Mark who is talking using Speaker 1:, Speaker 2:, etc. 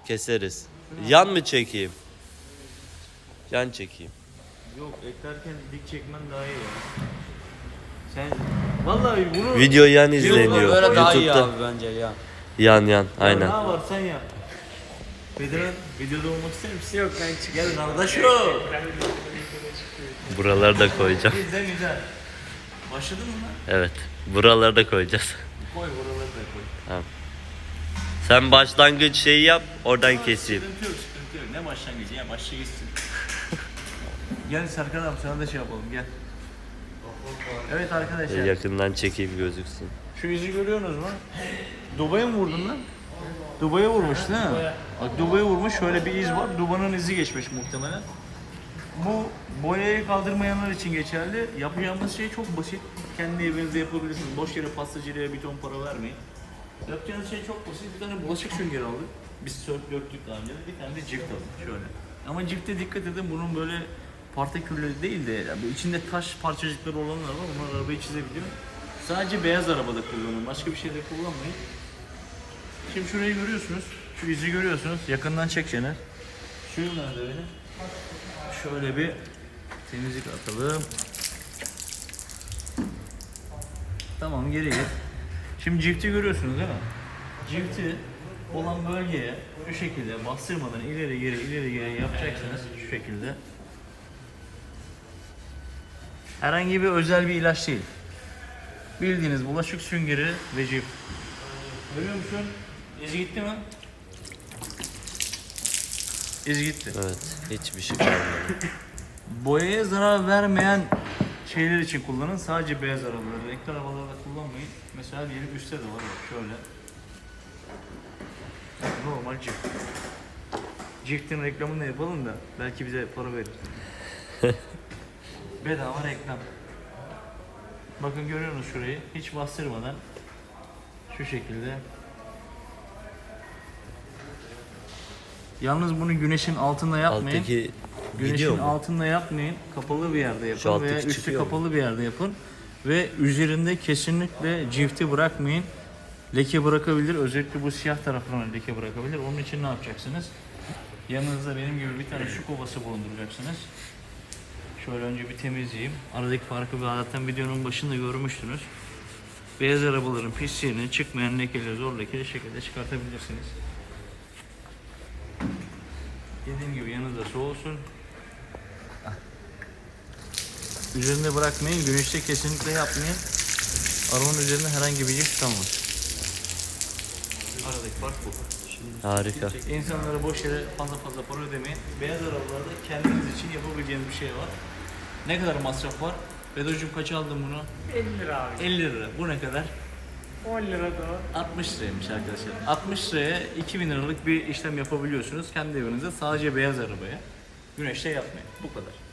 Speaker 1: Keseriz. Yan mı çekeyim? Yan çekeyim.
Speaker 2: Yok, eklerken dik çekmen daha iyi ya. Sen vallahi bunu
Speaker 1: Video yan izleniyor.
Speaker 3: Böyle daha iyi
Speaker 1: YouTube'da.
Speaker 3: abi bence ya.
Speaker 1: Yan.
Speaker 2: ne
Speaker 1: Aynen.
Speaker 2: var sen yap. Bedran videoda olmak ister misin? Yok, ben çık. Gel kardeşim.
Speaker 1: Buraları da koyacağım.
Speaker 2: Güzel. Başladın mı lan?
Speaker 1: Evet. Buraları da koyacağız.
Speaker 2: Koy buraları da koy.
Speaker 1: Tamam. Sen başlangıç şeyi yap, oradan keseyim.
Speaker 2: Sıkıntı yok. Ne başlangıcı ya, başla gitsin. Gel Serkan abi, sana da şey yapalım, gel. Evet arkadaşlar,
Speaker 1: Yakından çekeyim gözüksün.
Speaker 2: şu izi görüyorsunuz mu? Dubai'ye mi vurdun lan? Dubai'ye vurmuş değil mi? Bak, Dubai'ye vurmuş, şöyle bir iz var. Dubai'nin izi geçmiş muhtemelen. Bu boyayı kaldırmayanlar için geçerli. Yapacağımız şey çok basit. Kendi evinizde yapabilirsiniz. Boş yere pastacılığa bir ton para vermeyin. Yapacağınız şey çok basit. Bir tane bulaşık süngeri aldık. Biz sörf döktük daha önce. Bir tane de cift aldık şöyle. Ama cifte dikkat edin, bunun böyle partikülleri değil de yani içinde taş parçacıkları olanlar var. Onlar arabayı çizebiliyor. Sadece beyaz arabada kullanın. Başka bir şeyde kullanmayın. Şimdi şurayı görüyorsunuz. Şu izi görüyorsunuz. Yakından çek Şener. Şu nerede öyle? Şöyle bir temizlik atalım. Tamam, geri git. Şimdi cifti görüyorsunuz değil mi? Cifti olan bölgeye şu şekilde bastırmadan ileri geri yapacaksınız şu şekilde. Herhangi bir özel bir ilaç değil. Bildiğiniz bulaşık süngeri ve cift. Görüyor musun? İz gitti mi? İz gitti.
Speaker 1: Evet, hiçbir şey kalmadı.
Speaker 2: Boyaya zarar vermeyen şeyler için kullanın. Sadece beyaz arabaları, renkli arabalarda kullanmayın. Mesela diyelim üstte de var bak şöyle. Normal cift. Cift'in reklamını da yapalım da belki bize para verir. Bedava reklam. Bakın görüyorsunuz şurayı. Hiç bastırmadan şu şekilde. Yalnız bunu güneşin altında yapmayın.
Speaker 1: Alttaki
Speaker 2: Güneşin
Speaker 1: video mu?
Speaker 2: altında yapmayın. Kapalı bir yerde
Speaker 1: Şu
Speaker 2: yapın
Speaker 1: alttaki
Speaker 2: veya üstü
Speaker 1: çıkıyor mu?
Speaker 2: kapalı bir yerde yapın. Ve üzerinde kesinlikle cifti bırakmayın. Leke bırakabilir. Özellikle bu siyah tarafına leke bırakabilir. Onun için ne yapacaksınız? Yanınızda benim gibi bir tane su kovası bulunduracaksınız. Şöyle önce bir temizleyeyim. Aradaki farkı zaten videonun başında görmüştünüz. Beyaz arabaların pisliğini, çıkmayan lekeleri zor lekeli şekilde çıkartabilirsiniz. Dediğim gibi yanınızda su olsun. Üzerinde bırakmayın, güneşte kesinlikle yapmayın. Arabanın üzerinde herhangi bir cift kalmaz. Aradaki fark bu.
Speaker 1: Harika.
Speaker 2: İnsanlara boş yere fazla para ödemeyin. Beyaz arabalarda kendiniz için yapabileceğiniz bir şey var. Ne kadar masraf var? Bedocuğum kaç aldın bunu?
Speaker 4: 50 lira abi.
Speaker 2: 50 lira. Bu ne kadar?
Speaker 4: 10 lira da
Speaker 2: 60 liraymış arkadaşlar. 60 liraya 2000 liralık bir işlem yapabiliyorsunuz kendi evinizde, sadece beyaz arabaya. Güneşte yapmayın. Bu kadar.